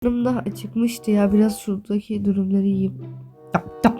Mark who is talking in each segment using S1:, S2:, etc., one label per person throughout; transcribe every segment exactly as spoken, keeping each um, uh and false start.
S1: Karnım da acıkmıştı ya. Biraz şuradaki durumları yiyeyim. Tap tap.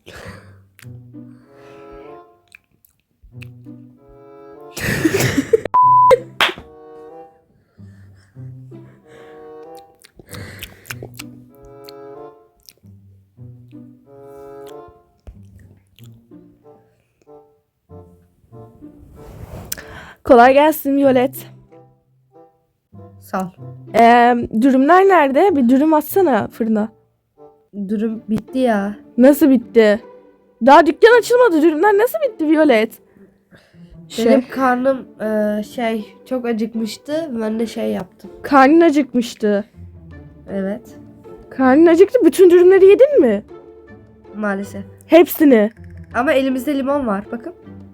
S2: Kolay gelsin Violet.
S1: Sağ ol.
S2: Ee, dürümler nerede? Bir dürüm atsana fırına.
S1: Durum bitti ya.
S2: Nasıl bitti? Daha dükkan açılmadı. Dürümler nasıl bitti Violet? Şey,
S1: Benim karnım e, şey çok acıkmıştı. Ben de şey yaptım.
S2: karnın acıkmıştı.
S1: Evet.
S2: Karnın acıktı. Bütün dürümleri yedin mi?
S1: Maalesef.
S2: Hepsini.
S1: Ama elimizde limon var. Bakın.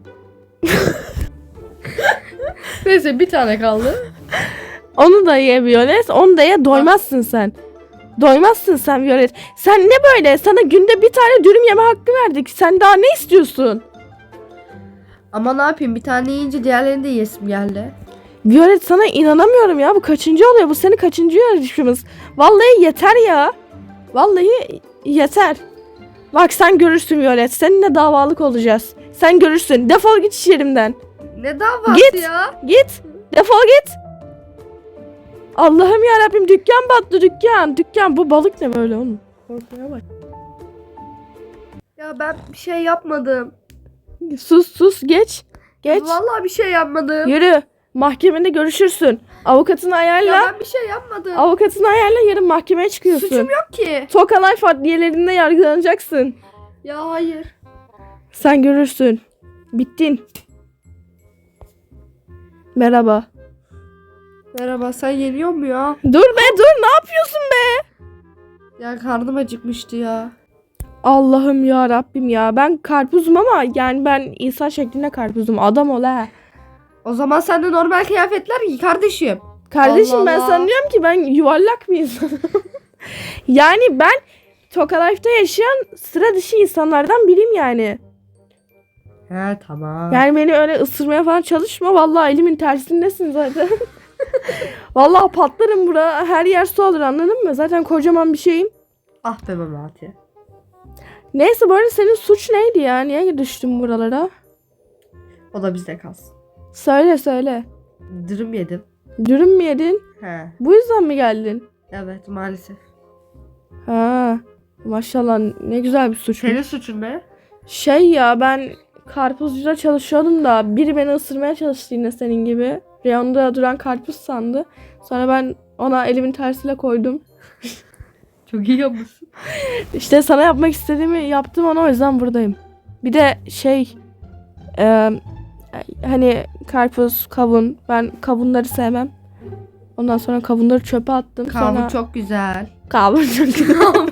S1: Neyse bir tane kaldı.
S2: Onu da ye Violet. Onu da ye. Doymazsın sen. Doymazsın sen Violet. Sen ne böyle? Sana günde bir tane dürüm yeme hakkı verdik. Sen daha ne istiyorsun?
S1: Ama ne yapayım? Bir tane yiyince diğerlerini de yesim geldi.
S2: Violet sana inanamıyorum ya. Bu kaçıncı oluyor? Bu senin kaçıncı yarışımız? Vallahi yeter ya. Vallahi yeter. Bak sen görürsün Violet. Seninle davalık olacağız. Sen görürsün. Defol git iş yerimden.
S1: Ne davası
S2: Git.
S1: ya?
S2: Git. Defol git. Allah'ım ya Rabbim, dükkan battı dükkan. Dükkan, bu balık ne böyle oğlum? Korkmaya bak.
S1: Ya ben bir şey yapmadım.
S2: Sus sus geç. Geç.
S1: Vallahi bir şey yapmadım.
S2: Yürü. Mahkemede görüşürsün. Avukatını ayarla.
S1: Ya ben bir şey yapmadım.
S2: Avukatını ayarla, yarın mahkemeye çıkıyorsun.
S1: Suçum yok ki.
S2: Toka Life adliyelerinde yargılanacaksın.
S1: Ya hayır.
S2: Sen görürsün. Bittin. Merhaba.
S1: Merhaba, sen yeniyor mu ya?
S2: Dur be dur, ne yapıyorsun be?
S1: Ya karnım acıkmıştı ya.
S2: Allah'ım ya Rabbim ya. Ben karpuzum ama yani ben insan şeklinde karpuzum. Adam ol ha.
S1: O zaman sen de normal kıyafetler giy kardeşim.
S2: Kardeşim
S1: Allah
S2: ben
S1: Allah.
S2: sanıyorum ki ben yuvarlak bir insanım. Yani ben Toka Life'da yaşayan sıra dışı insanlardan biriyim yani.
S1: He tamam.
S2: Yani beni öyle ısırmaya falan çalışma. Vallahi elimin tersindesin zaten. Vallahi patlarım bura. Her yer su alır, anladın mı? Zaten kocaman bir şeyim.
S1: Ah be Memati.
S2: Neyse, bu arada senin suç neydi ya? Niye düştün buralara?
S1: O da bizde kalsın.
S2: Söyle söyle.
S1: Dürüm yedim.
S2: Dürüm mü yedin?
S1: He.
S2: Bu yüzden mi geldin?
S1: Evet maalesef.
S2: Ha, maşallah ne güzel bir suç.
S1: Senin suçun ne?
S2: Şey ya, ben karpuzcuda çalışıyordum da biri beni ısırmaya çalıştı yine senin gibi. Reyonda duran karpuz sandı. Sonra ben ona elimin tersiyle koydum.
S1: Çok iyi yapmışsın.
S2: İşte sana yapmak istediğimi yaptım, ona o yüzden buradayım. Bir de şey e, hani karpuz, kavun. Ben kavunları sevmem. Ondan sonra kavunları çöpe attım.
S1: Kavun
S2: sonra...
S1: çok güzel.
S2: Kavun çok güzel.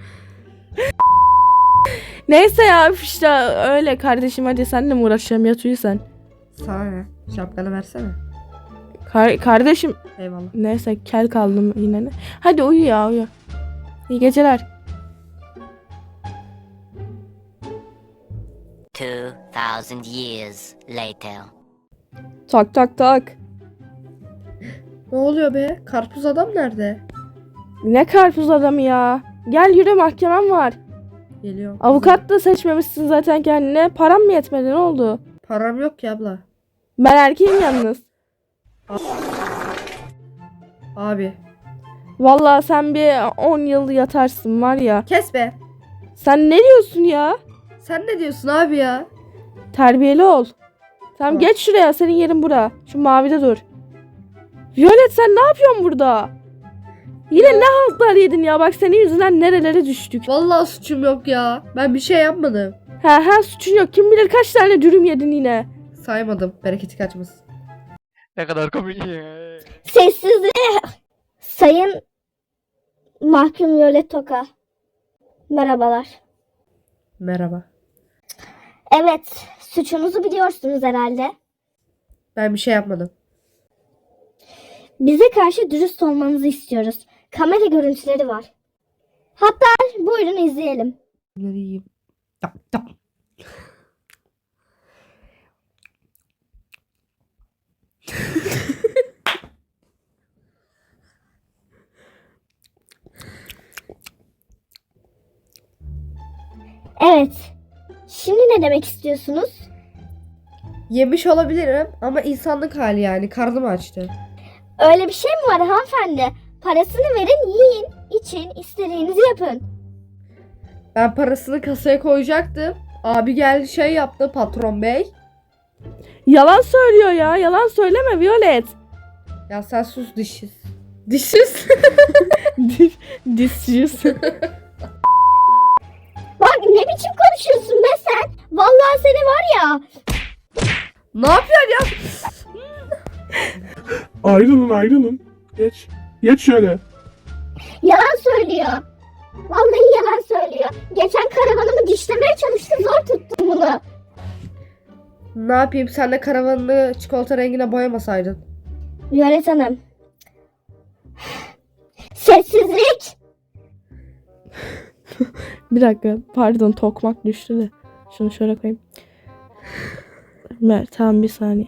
S2: Neyse ya, üf işte öyle kardeşim, hadi senle mi uğraşacağım, yat uyu sen.
S1: Sana ne? Şapkanı versene.
S2: Kar- kardeşim
S1: Eyvallah.
S2: neyse, kel kaldım yine ne. Hadi uyu ya, uyu. İyi geceler.
S3: Two thousand years later.
S2: Tak tak tak.
S1: Ne oluyor be? Karpuz adam nerede?
S2: Ne karpuz adamı ya. Gel yürü, mahkemem var.
S1: Geliyor.
S2: Avukat da seçmemişsin zaten kendine. Param mı yetmedi, ne oldu?
S1: Param yok ki abla.
S2: Ben erkeğim yalnız.
S1: Abi.
S2: Vallahi sen bir on yıl yatarsın var ya.
S1: Kes be.
S2: Sen ne diyorsun ya?
S1: Sen ne diyorsun abi ya?
S2: Terbiyeli ol. Tamam,
S1: Tamam.
S2: geç şuraya, senin yerin bura. Şu mavide dur. Violet, sen ne yapıyorsun burada? Yine ne haltlar yedin ya, bak senin yüzünden nerelere düştük.
S1: Vallahi suçum yok ya. Ben bir şey yapmadım.
S2: Ha ha, suçun yok, kim bilir kaç tane dürüm yedin yine.
S1: Saymadım. Bereketi kaçmasın.
S4: Ne kadar komik.
S5: Sessizliğe Sayın Mahkum Violet Toka. Merhabalar.
S1: Merhaba.
S5: Evet, suçunuzu biliyorsunuz herhalde.
S1: Ben bir şey yapmadım.
S5: Bize karşı dürüst olmanızı istiyoruz. Kamera görüntüleri var. Hatta buyurun izleyelim.
S1: Bunları yiyeyim. Tap tap.
S5: Evet. Şimdi ne demek istiyorsunuz?
S1: Yemiş olabilirim ama insanlık hali yani. Karnım açtı.
S5: Öyle bir şey mi var hanımefendi? Parasını verin, yiyin, için, istediğinizi yapın.
S1: Ben parasını kasaya koyacaktım. Abi geldi şey yaptı patron bey.
S2: Yalan söylüyor ya. Yalan söyleme Violet.
S1: Ya sen sus dişsiz. Dişsiz.
S2: Dişsiz.
S5: Bak ne biçim konuşuyorsun be sen? Vallahi seni var ya.
S1: Ne yapıyorsun ya?
S6: Ayrılın ayrılın. Geç. Geç şöyle.
S5: Yalan söylüyor. Vallahi yalan söylüyor. Geçen karavanımı dişlemeye çalıştı, zor tuttum bunu.
S1: Ne yapayım sen de karavanını çikolata rengine boyamasaydın.
S5: Violet Hanım. Sessizlik.
S2: Bir dakika. Pardon, tokmak düştü de. Şunu şöyle koyayım. Mer, tamam bir saniye.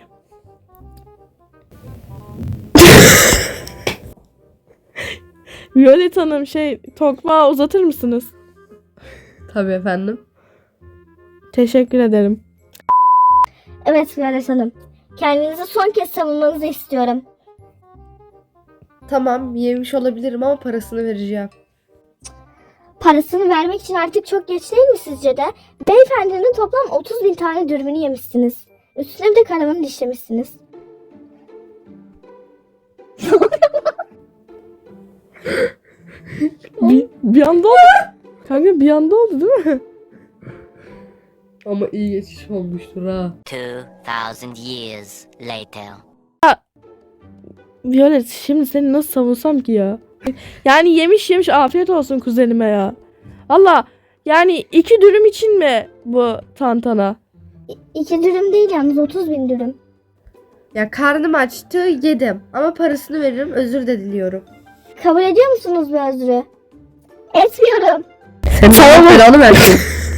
S2: Violet Hanım şey tokmağı uzatır mısınız?
S1: Tabii efendim.
S2: Teşekkür ederim.
S5: Evet Violet Hanım. Kendinizi son kez savunmanızı istiyorum.
S1: Tamam yemiş olabilirim ama parasını vereceğim.
S5: Parasını vermek için artık çok geç değil mi sizce de? Beyefendinin toplam otuz bin tane dürümünü yemişsiniz. Üstüne bir de karavanı dişlemişsiniz.
S2: Bir, bir anda oldu. Kanka bir anda oldu değil mi?
S1: Ama iyi geçiş olmuştur ha.
S3: Two thousand years later.
S2: Violet şimdi seni nasıl savunsam ki ya? Yani yemiş yemiş afiyet olsun kuzenime ya. Valla yani iki dürüm için mi bu tantana?
S5: İ- iki dürüm değil yalnız otuz bin dürüm.
S1: Ya karnım açtı yedim ama parasını veririm özür de diliyorum.
S5: Kabul ediyor musunuz bu özrü? Etmiyorum.
S1: Senin Allah belanı versin.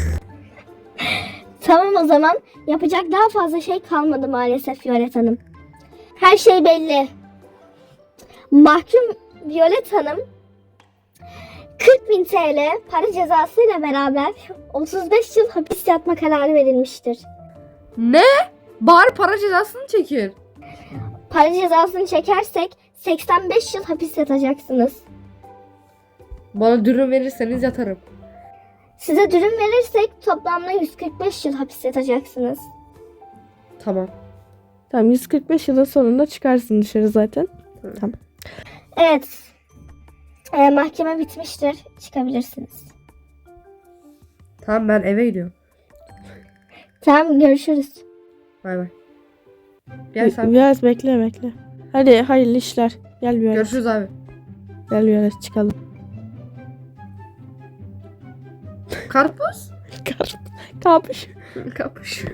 S5: Tamam o zaman. Yapacak daha fazla şey kalmadı maalesef Violet Hanım. Her şey belli. Mahkum Violet Hanım kırk bin T L para cezasıyla beraber otuz beş yıl hapis yatma kararı verilmiştir.
S1: Ne? Bari para cezasını çekir.
S5: Para cezasını çekersek seksen beş yıl hapis yatacaksınız.
S1: Bana dürüm verirseniz yatarım.
S5: Size dürüm verirsek toplamda yüz kırk beş yıl hapis yatacaksınız.
S1: Tamam.
S2: Tamam yüz kırk beş yılın sonunda çıkarsın dışarı zaten. Tamam.
S5: Evet. Ee, mahkeme bitmiştir. Çıkabilirsiniz.
S1: Tamam ben eve gidiyorum.
S5: Tamam görüşürüz.
S1: Bay bay. Gel sen.
S2: Biraz bekle bekle. Hadi hayırlı işler. Gel Violet.
S1: Görüşürüz abi.
S2: Gel Violet çıkalım.
S1: Karpuz?
S2: Kapış.
S1: Kapış.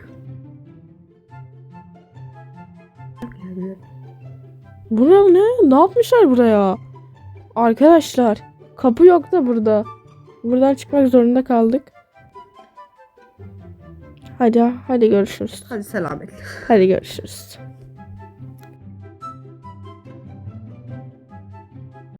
S2: Bura ne? Ne yapmışlar buraya? Arkadaşlar kapı yok da burada. Buradan çıkmak zorunda kaldık. Hadi hadi görüşürüz.
S1: Hadi selametle.
S2: Hadi görüşürüz.